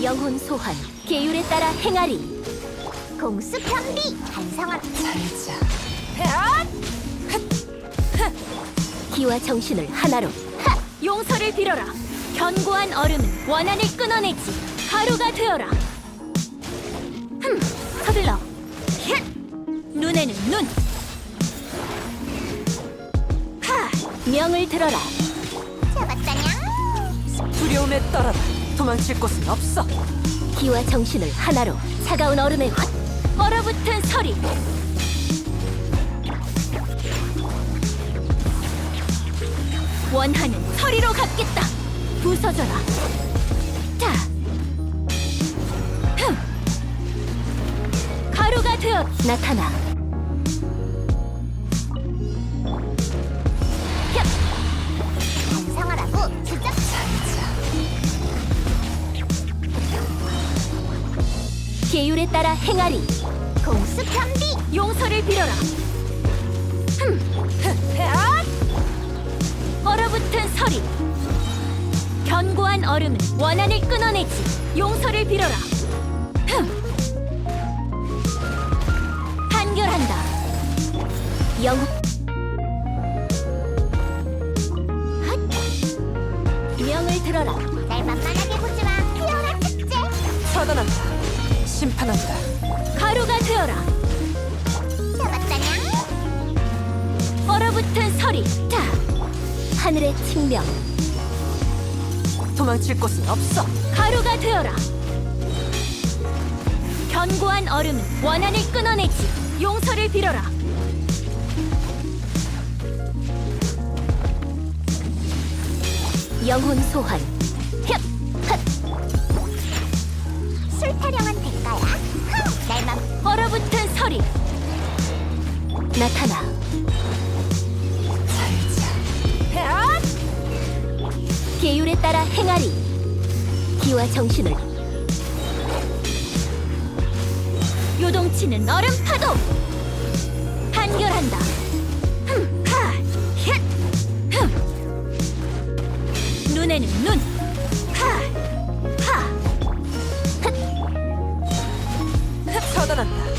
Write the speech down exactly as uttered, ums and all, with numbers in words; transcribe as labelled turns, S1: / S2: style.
S1: 영혼 소환, 계율에 따라 행하리.
S2: 공수 편비 반성한
S3: 살자.
S1: 기와 정신을 하나로. 하! 용서를 빌어라. 견고한 얼음은 원한을 끊어내지. 가루가 되어라. 흠, 서둘러. 힛! 눈에는 눈. 하! 명을 들어라.
S2: 잡았다냥.
S3: 두려움에 떨어라. 도망칠 곳은 없어.
S1: 기와 정신을 하나로. 차가운 얼음의 헛. 얼어붙은 서리. 원하는 서리로 갚겠다. 부서져라. 자. 흠. 가루가 되어 나타나. 힙.
S2: 반성하라고 주작.
S3: 살자.
S1: 계율에 따라 행하리.
S2: 공수 편비
S1: 용서를 빌어라. 흠. 흠. 얼어붙은 서리. 견고한 얼음은 원한을 끊어내지. 용서를 빌어라. 흠. 판결한다. 영. 핫. 명을 들어라.
S2: 날 만만하게 보지마. 피어라 축제.
S3: 처단한다. 심판한다.
S1: 가루가 되어라.
S2: 잡았다냥.
S1: 얼어붙은 서리. 자. 하늘의 칭명.
S3: 도망칠 곳은 없어.
S1: 가루가 되어라. 견고한 얼음은 원한을 끊어내지. 용서를 빌어라. 영혼 소환. 힙! 핫!
S2: 술 타령한 대가야. 흥. 날만
S1: 얼어붙은 서리. 나타나.
S3: 살자.
S1: 계율에 따라 행하리. 기와 정신을. 요동치는 얼음 파도. 판결한다. 흠, 하, 힛, 흠. 눈에는 눈. 하, 하.
S3: 처단한다.